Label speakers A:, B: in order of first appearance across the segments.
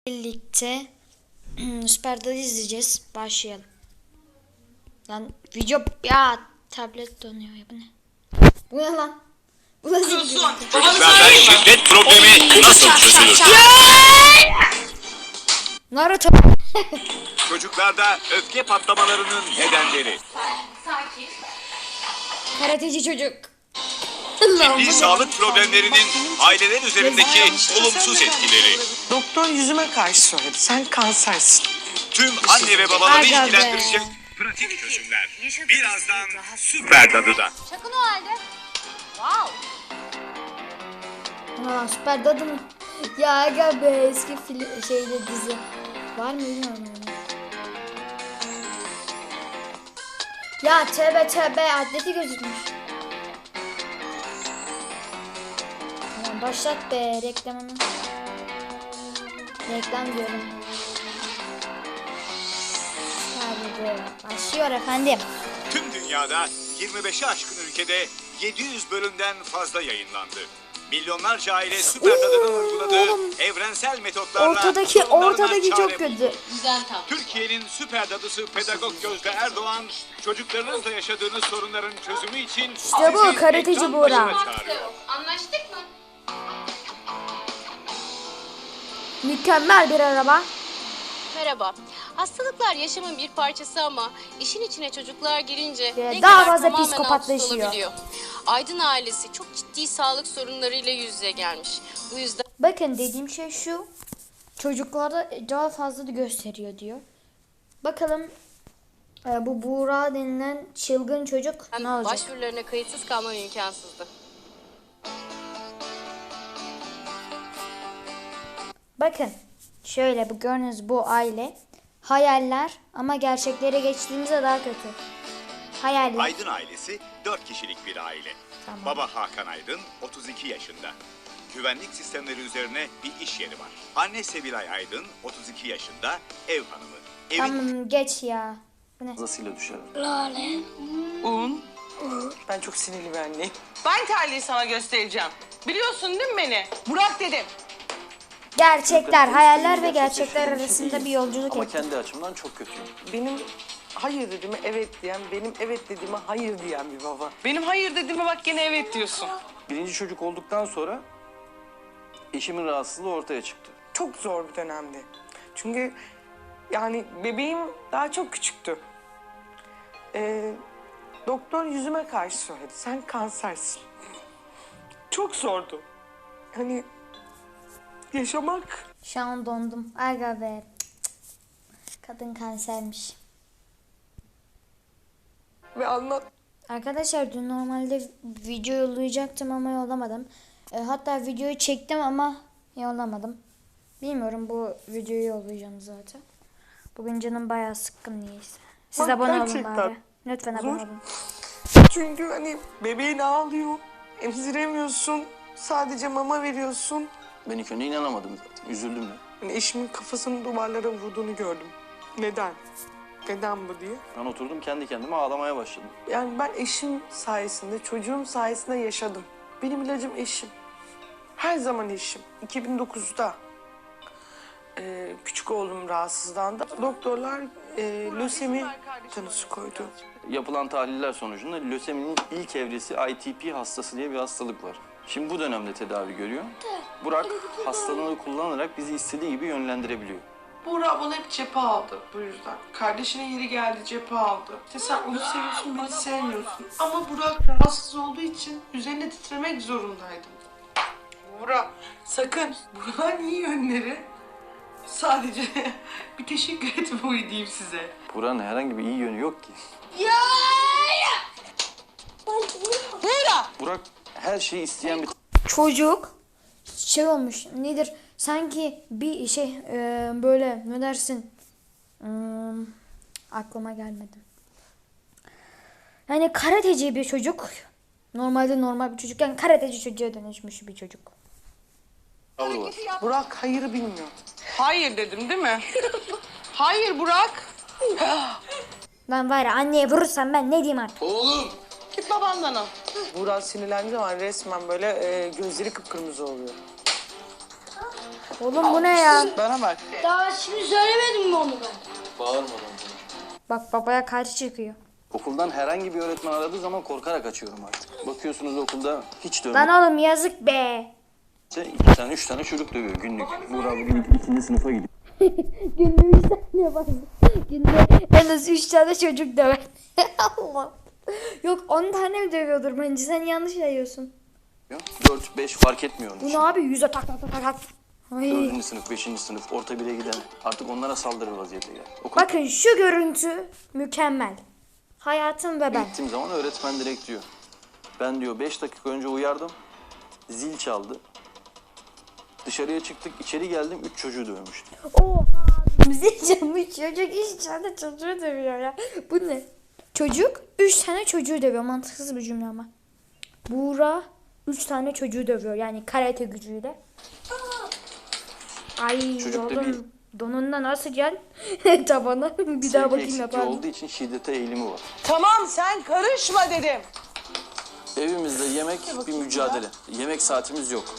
A: Birlikte Süper Dalı izleyeceğiz. Başlayalım. Lan video ya tablet donuyor ya, bu ne? Bu ne lan? Bu nasıl bir video?
B: Çocuklarda şiddet problemi nasıl çözülür?
A: Naruto.
B: Çocuklarda öfke patlamalarının nedenleri.
A: Karateci çocuk.
B: Ciddi sağlık problemlerinin aileler üzerindeki olumsuz etkileri.
C: Doktor yüzüme karşı söyledi. Sen kansersin.
B: Tüm anne ve babaları
A: Aga be.
B: ilgilendirecek pratik çözümler. Birazdan Süper Dadı'da.
D: Şaka o halde. Wow.
A: Ha, Süper Dadı mı? Ya aga be, eski şeyde dizi. Var mı bilmiyorum yani. Ya tövbe atleti gözükmüş. Tamam, başlat be reklamını. Reklam diyorum. Hadi başlıyor efendim.
B: Tüm dünyada 25'i aşkın ülkede 700 bölümden fazla yayınlandı. Milyonlarca aile Süper Dadı'nın uyguladığı evrensel metotlarla
A: Ortadaki
B: sorunlarına
A: çok
B: çare
A: kötü.
B: buldu.
D: Güzel tam.
B: Türkiye'nin Süper Dadısı Pedagog Gözde Erdoğan, çocuklarınızla yaşadığınız sorunların çözümü için
A: İşte bu,
B: sizi
A: karateci
B: ekran
A: Buğra.
B: başına çağırıyor.
D: Anlaştık mı?
A: Mükemmel bir araba.
D: Merhaba. Hastalıklar yaşamın bir parçası ama işin içine çocuklar girince ne
A: daha
D: kadar
A: fazla
D: tamamen alt üst
A: psikopatlaşıyor.
D: olabiliyor. Aydın ailesi çok ciddi sağlık sorunlarıyla yüz yüze gelmiş. Bu yüzden
A: Bakın dediğim şey şu. Çocuklarda daha fazla da gösteriyor diyor. Bakalım bu Buğra denilen çılgın çocuk ne olacak?
D: başvurularına kayıtsız kalmam imkansızdı.
A: Bakın şöyle, bu gördüğünüz bu aile hayaller ama gerçeklere geçtiğimizde daha kötü. Hayaller.
B: Aydın ailesi 4 kişilik bir aile.
A: Tamam.
B: Baba Hakan Aydın 32 yaşında. Güvenlik sistemleri üzerine bir iş yeri var. Anne Sevilay Aydın 32 yaşında, ev hanımı. Evin
A: Tamam geç ya. Bu ne?
E: Fazlasıyla düşer.
C: Un. Ben çok sinirli bir anneyim. Ben terliği sana göstereceğim. Biliyorsun değil mi beni? Burak dedim.
A: Gerçekler, hayaller ve gerçekler arasında bir yolculuk
E: Ama
A: et.
E: kendi açımdan çok kötüyüm.
C: Benim hayır dediğime evet diyen, benim evet dediğime hayır diyen bir baba. Benim hayır dediğime bak gene evet diyorsun.
E: Birinci çocuk olduktan sonra eşimin rahatsızlığı ortaya çıktı.
C: Çok zor bir dönemdi. Çünkü yani bebeğim daha çok küçüktü. Doktor yüzüme karşı söyledi. Sen kansersin. Çok zordu. Hani yaşamak.
A: Şu an dondum. Aga be. Cık cık. Kadın kansermiş.
C: Ve anlat.
A: Arkadaşlar dün normalde video yollayacaktım ama yollamadım. Hatta videoyu çektim ama yollamadım. Bilmiyorum, bu videoyu yollayacağım zaten. Bugün canım bayağı sıkkın niyeyse. Siz
C: Bak,
A: abone olun
C: gerçekten
A: bari. Lütfen abone
C: zor.
A: olun.
C: Çünkü hani bebeğin ağlıyor. Emziremiyorsun. Sadece mama veriyorsun.
E: Ben ilk önce inanamadım zaten. Üzüldüm de.
C: Hani eşimin kafasını duvarlara vurduğunu gördüm. Neden? Neden bu diye.
E: Ben oturdum kendi kendime ağlamaya başladım.
C: Yani ben eşim sayesinde, çocuğum sayesinde yaşadım. Benim ilacım eşim. Her zaman eşim. 2009'da küçük oğlum rahatsızlandı. Doktorlar lösemi tanısı koydu.
E: Yapılan tahliller sonucunda löseminin ilk evresi ITP hastası diye bir hastalık var. Şimdi bu dönemde tedavi görüyor. Burak hastalığını kullanarak bizi istediği gibi yönlendirebiliyor.
C: Buğra bana hep cephe aldı bu yüzden. Kardeşine yeri geldi cephe aldı. İşte sen onu seviyorsun, beni sevmiyorsun. Ama Burak rahatsız olduğu için üzerine titremek zorundaydım. Buğra sakın. Burak'ın iyi yönleri sadece bir teşekkür etmeyi diyeyim size.
E: Burak'ın herhangi bir iyi yönü yok ki.
C: Buğra!
E: Burak her şeyi isteyen bir
A: Çocuk şey olmuş, nedir? Sanki bir şey böyle ne dersin? Aklıma gelmedi. Yani karateci bir çocuk. Normalde normal bir çocukken karateci çocuğa dönüşmüş bir çocuk.
E: tavır var.
C: Burak hayırı bilmiyor. Hayır dedim değil mi? Hayır Burak.
A: Lan var ya, anneye vurursam ben ne diyeyim artık?
C: Git babandan al. Burak sinirlendiği zaman resmen böyle gözleri kıpkırmızı oluyor.
A: Oğlum bu ne ya?
C: Bana bak.
F: Daha şimdi söylemedim mi onu ben?
E: Bağırmadan.
A: Bak babaya karşı çıkıyor.
E: Okuldan herhangi bir öğretmen aradığı zaman korkarak açıyorum artık. Bakıyorsunuz okulda hiç
A: Lan
E: dövmekse
A: oğlum yazık be.
E: 2 tane 3 tane çocuk dövüyor günlük. Burak bugün 2. sınıfa gidiyor.
A: Günde 3 tane fazla. Günde en az 3 tane çocuk döver. Allah. Yok 10 tane mi dövüyordur bence, sen yanlış yayıyorsun.
E: 4-5 fark etmiyor onun
A: Bu
E: için.
A: ne abi, yüze tak tak tak tak tak. Ay.
E: 4. sınıf, 5. sınıf, orta 1'e giden artık onlara saldırır vaziyete gel. Okul
A: Bakın şu görüntü mükemmel. Hayatım ve ben.
E: gittiğim zaman öğretmen direkt diyor. Ben diyor 5 dakika önce uyardım. Zil çaldı. Dışarıya çıktık, içeri geldim 3 çocuğu dövmüştüm.
A: Oha. Bizi canmış çocuk 3 tane çocuğu dövüyor ya. Bu ne? Çocuk 3 tane çocuğu dövüyor. Mantıksız bir cümle ama. Buğra 3 tane çocuğu dövüyor. Yani karate gücüyle. Ay
E: Çocuk da
A: oğlum. Donundan nasıl gel? Tabana. Bir daha
E: Sevgi
A: bakayım
E: eksikliği
A: yapar mı?
E: olduğu için şiddete eğilimi var.
C: Tamam sen karışma dedim.
E: Evimizde yemek bir mücadele. Yemek saatimiz yok.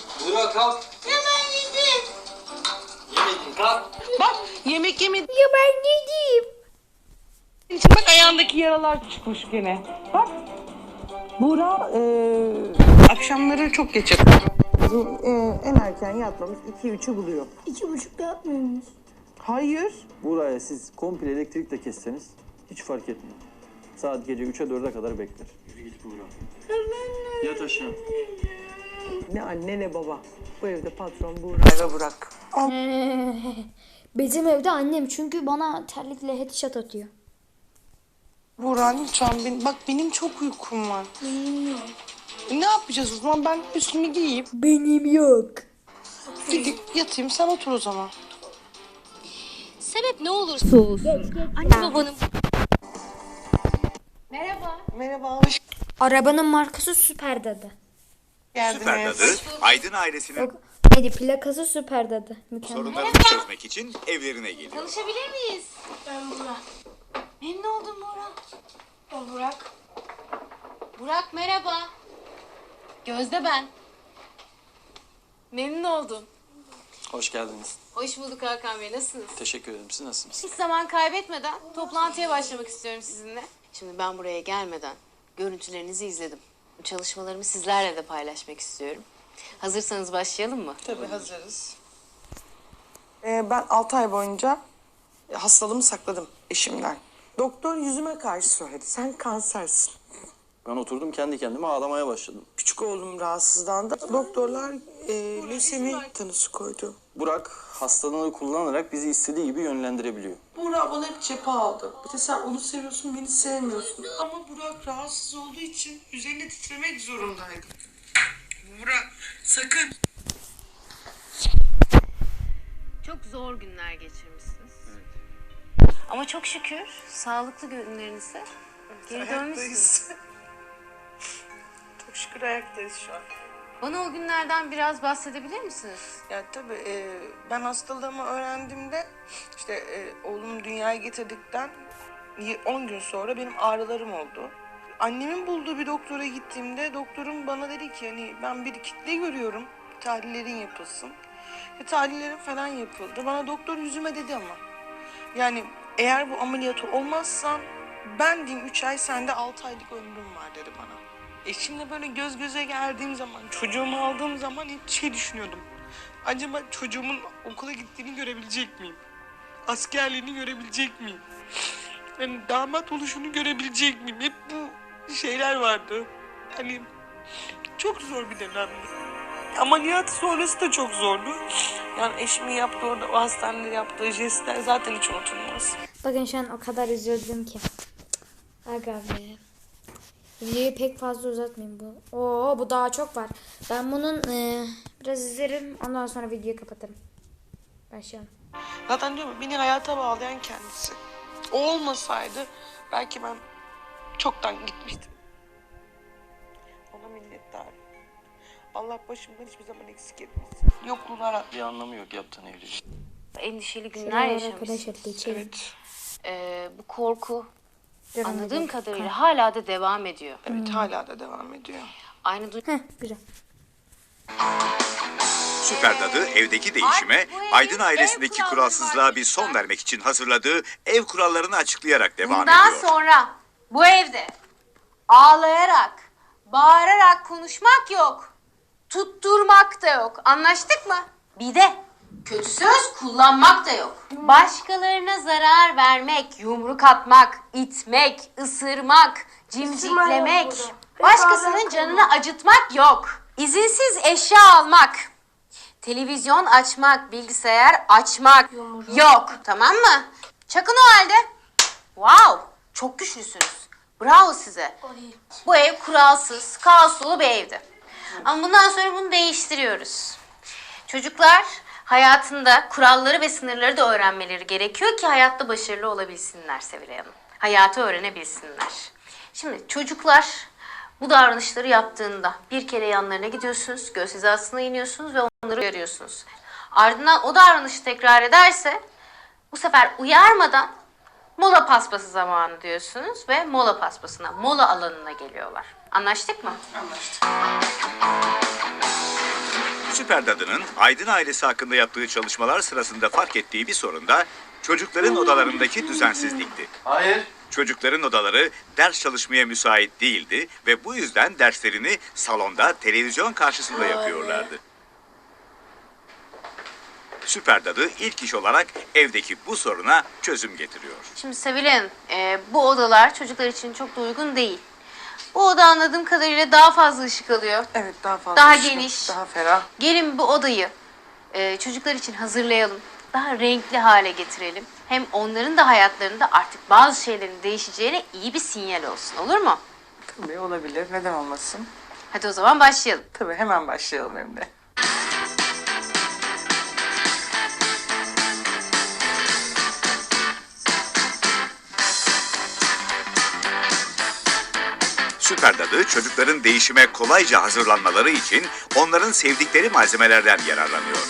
C: Bak yemek yemediğin
A: Ya ben ne diyeyim?
C: için bak ayağındaki yaralar çıkmış gene. Bak. Buğra akşamları çok geç yatıyor. En erken yatmamız 2-3'ü buluyor.
F: 2,5'da yapmıyor muyuz?
C: Hayır.
E: Buraya siz komple elektrikle kesseniz hiç fark etmiyor. Saat gece 3'e 4'e kadar bekler. Yürü git Buğra. Yat aşağı.
C: Ne anne ne baba. Bu evde patron Buğra'ya bırak.
A: Bizim evde annem çünkü bana terlikle headshot atıyor.
C: Buğra lütfen bak benim çok uykum var. Ne yapacağız o zaman? Ben üstümü giyeyim.
A: Benim yok.
C: Yatayım sen otur o zaman.
D: Sebep ne olursa olsun. Anne babanın... Merhaba.
C: Merhaba hoş
A: Arabanın markası Süper Dadı.
C: geldiniz.
B: Süper Dadı, Aydın ailesinin
A: Yok. Neydi, plakası Süper Dadı. Mükemmel.
B: sorunlarını çözmek için evlerine geliyor.
D: Tanışabilir miyiz?
F: Ben Burak.
D: Memnun oldum Burak.
F: Ben Burak.
D: Burak merhaba. Gözde ben. Memnun oldum.
E: Hoş geldiniz.
D: Hoş bulduk Hakan Bey. Nasılsınız?
E: Teşekkür ederim. Siz nasılsınız?
D: Hiç zaman kaybetmeden toplantıya başlamak istiyorum sizinle. Şimdi ben buraya gelmeden görüntülerinizi izledim. Çalışmalarımı sizlerle de paylaşmak istiyorum. Hazırsanız başlayalım mı?
C: Tabii hazırız. Ben 6 ay boyunca hastalığımı sakladım eşimden. Doktor yüzüme karşı söyledi. Sen kansersin.
E: Ben oturdum kendi kendime ağlamaya başladım.
C: Küçük oğlum rahatsızlandı. Doktorlar lösemi tanısı koydu.
E: Burak hastalığını kullanarak bizi istediği gibi yönlendirebiliyor.
C: Burak bana hep cephe aldı. Bir de sen onu seviyorsun, beni sevmiyorsun. Ama Burak rahatsız olduğu için üzerine titremek zorundaydım. Burak sakın.
D: Çok zor günler geçirmişsiniz. Ama çok şükür sağlıklı günlerinize geri dönmüşsünüz.
C: Ayaktayız. Çok şükür ayaktayız şu an.
D: Bana o günlerden biraz bahsedebilir misiniz?
C: Ya tabii ben hastalığımı öğrendiğimde işte oğlumu dünyaya getirdikten 10 gün sonra benim ağrılarım oldu. Annemin bulduğu bir doktora gittiğimde doktorum bana dedi ki hani ben bir kitle görüyorum, tahlillerin yapılsın. Tahlillerim falan yapıldı. Bana doktor yüzüme dedi ama. Yani eğer bu ameliyatı olmazsan ben diyeyim 3 ay sende 6 aylık ömrüm var dedi bana. Eşimle böyle göz göze geldiğim zaman, çocuğumu aldığım zaman hep şey düşünüyordum. Acaba çocuğumun okula gittiğini görebilecek miyim? Askerliğini görebilecek miyim? Yani damat oluşunu görebilecek miyim? Hep bu şeyler vardı. Hani çok zor bir dönemdi. Ameliyat sonrası da çok zordu. Yani eşimin yaptığı orada o hastanede yaptığı jestler zaten hiç unutulmaz.
A: Bakın şu an o kadar üzüldüm ki. Aga be. Videoyu pek fazla uzatmayayım bu. Oo, bu daha çok var. Ben bunun biraz izlerim. Ondan sonra videoyu kapatırım. Başlayalım.
C: Zaten diyorum ya, beni hayata bağlayan kendisi. O olmasaydı belki ben çoktan gitmiştim. Ona minnettarım. Allah başımdan hiçbir zaman eksik etmesin. Yokluğuna
E: Bir anlamı yok yaptığın evliliğin.
D: Endişeli günler
A: Şuralara
D: yaşamışsınız.
A: arkadaşlar geçelim.
C: Evet.
D: Bu korku
A: Devam
D: anladığım
A: edelim.
D: kadarıyla hala da devam ediyor.
C: Evet hala da devam ediyor.
D: Aynı
A: Heh, güzel.
B: Süper Dadı evdeki değişime, Aydın ailesindeki kuralsızlığa bir son vermek için hazırladığı ev kurallarını açıklayarak devam
D: Bundan
B: ediyor.
D: sonra bu evde ağlayarak, bağırarak konuşmak yok. Tutturmak da yok. Anlaştık mı? Bir de kötü söz kullanmak da yok. Başkalarına zarar vermek, yumruk atmak, itmek, ısırmak, cimciklemek, başkasının canını acıtmak yok. İzinsiz eşya almak, televizyon açmak, bilgisayar açmak yok. Tamam mı? Çakın o halde. Wow, çok güçlüsünüz. Bravo size. Bu ev kuralsız, kaos dolu bir evdi. Ama bundan sonra bunu değiştiriyoruz. Çocuklar hayatında kuralları ve sınırları da öğrenmeleri gerekiyor ki hayatta başarılı olabilsinler Sevilay Hanım. Hayatı öğrenebilsinler. Şimdi çocuklar bu davranışları yaptığında bir kere yanlarına gidiyorsunuz, göz hizasına iniyorsunuz ve onları uyarıyorsunuz. Ardından o davranışı tekrar ederse bu sefer uyarmadan mola paspası zamanı diyorsunuz ve mola paspasına, mola alanına geliyorlar. Anlaştık mı?
C: Anlaştık.
B: Süper Dadı'nın Aydın ailesi hakkında yaptığı çalışmalar sırasında fark ettiği bir sorun da çocukların odalarındaki düzensizlikti.
E: Hayır.
B: Çocukların odaları ders çalışmaya müsait değildi ve bu yüzden derslerini salonda televizyon karşısında yapıyorlardı. Süper Dadı ilk iş olarak evdeki bu soruna çözüm getiriyor.
D: Şimdi Sevilay Hanım, bu odalar çocuklar için çok da uygun değil. Bu oda anladığım kadarıyla daha fazla ışık alıyor.
C: Evet, daha fazla.
D: Daha
C: ışık,
D: geniş.
C: Daha ferah.
D: Gelin bu odayı çocuklar için hazırlayalım. Daha renkli hale getirelim. Hem onların da hayatlarında artık bazı şeylerin değişeceğine iyi bir sinyal olsun. Olur mu?
C: Tabii olabilir. Neden olmasın?
D: Hadi o zaman başlayalım.
C: Tabii hemen başlayalım hem de.
B: Süper Dadı çocukların değişime kolayca hazırlanmaları için onların sevdikleri malzemelerden yararlanıyor.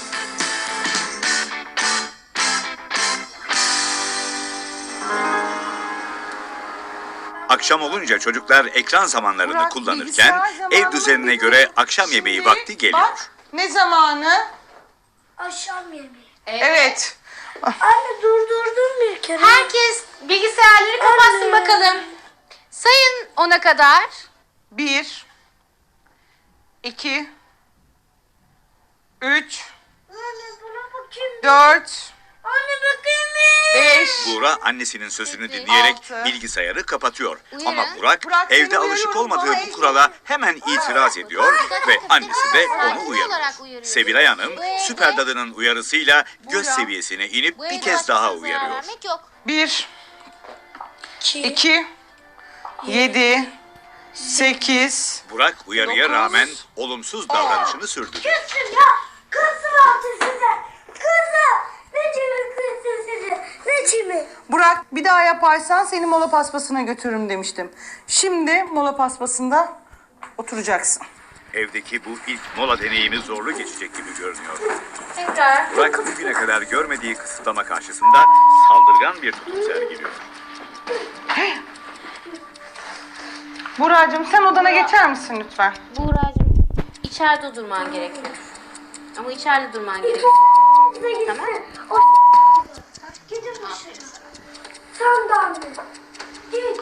B: Akşam olunca çocuklar ekran zamanlarını
C: Burak,
B: kullanırken
C: bilgisayar zamanı
B: ev düzenine
C: dedi.
B: göre akşam yemeği
C: Şimdi
B: vakti geliyor.
C: Bak, ne zamanı?
F: Akşam yemeği.
C: Evet.
F: Anne durdurdun bir kere.
D: Herkes bilgisayarları kapatsın bakalım. Sayın 10'a kadar.
C: 1 2 3
F: Anne buna bakayım.
C: 4
F: Anne bakayım.
C: 5
B: Buğra annesinin sözünü dinleyerek
C: Altı.
B: bilgisayarı kapatıyor.
D: Uyarın.
B: Ama Burak
C: Burak, seni
B: evde alışık
C: uyarıyorum,
B: olmadığı
C: bana
B: bu kurala hemen itiraz ediyor ve annesi de onu
D: Sakin
B: uyarıyor.
D: olarak uyarıyor.
B: Sevilay Hanım
D: Bu evde-
B: Süper Dadı'nın uyarısıyla göz
C: Burak.
B: seviyesine inip
D: Bu
B: bir
D: evde
B: kez daha
D: başkasına zarar
B: uyarıyor.
D: vermek yok.
C: 1
F: 2.
C: 2 7 8
B: Burak uyarıya
C: Dokuz.
B: rağmen olumsuz davranışını sürdürüyor.
F: Kızım ya. Kızım altı size. Kızım. Ne çimi kızım size. Ne çimi.
C: Burak, bir daha yaparsan seni mola paspasına götürürüm demiştim. Şimdi mola paspasında oturacaksın.
B: Evdeki bu ilk mola deneyimi zorlu geçecek gibi görünüyor.
D: Tekrar.
B: Burak bugüne kadar görmediği kısıtlama karşısında saldırgan bir tutum sergiliyor.
C: Buracığım, sen odana geçer misin lütfen?
D: Buğra'cığım içeride durman gerekiyor. Ama içeride durman gerekiyor.
F: Size gitsin.
D: Tamam.
F: O gidin dışarı. Sen de anne. Git.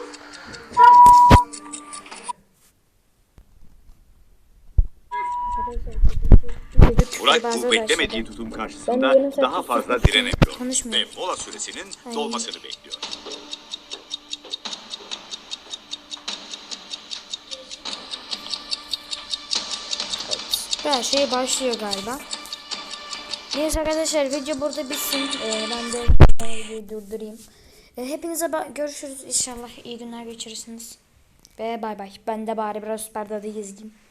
B: Burak bu beklemediği tutum karşısında daha fazla direnemiyor ve mola süresinin dolmasını bekliyor.
A: Her şey başlıyor galiba. Neyse arkadaşlar video burada bitsin. Ben de videoyu durdurayım. Hepinize görüşürüz inşallah. İyi günler geçirirsiniz. Ve bay bay. Ben de bari biraz Süper Dadı'yı izleyeyim.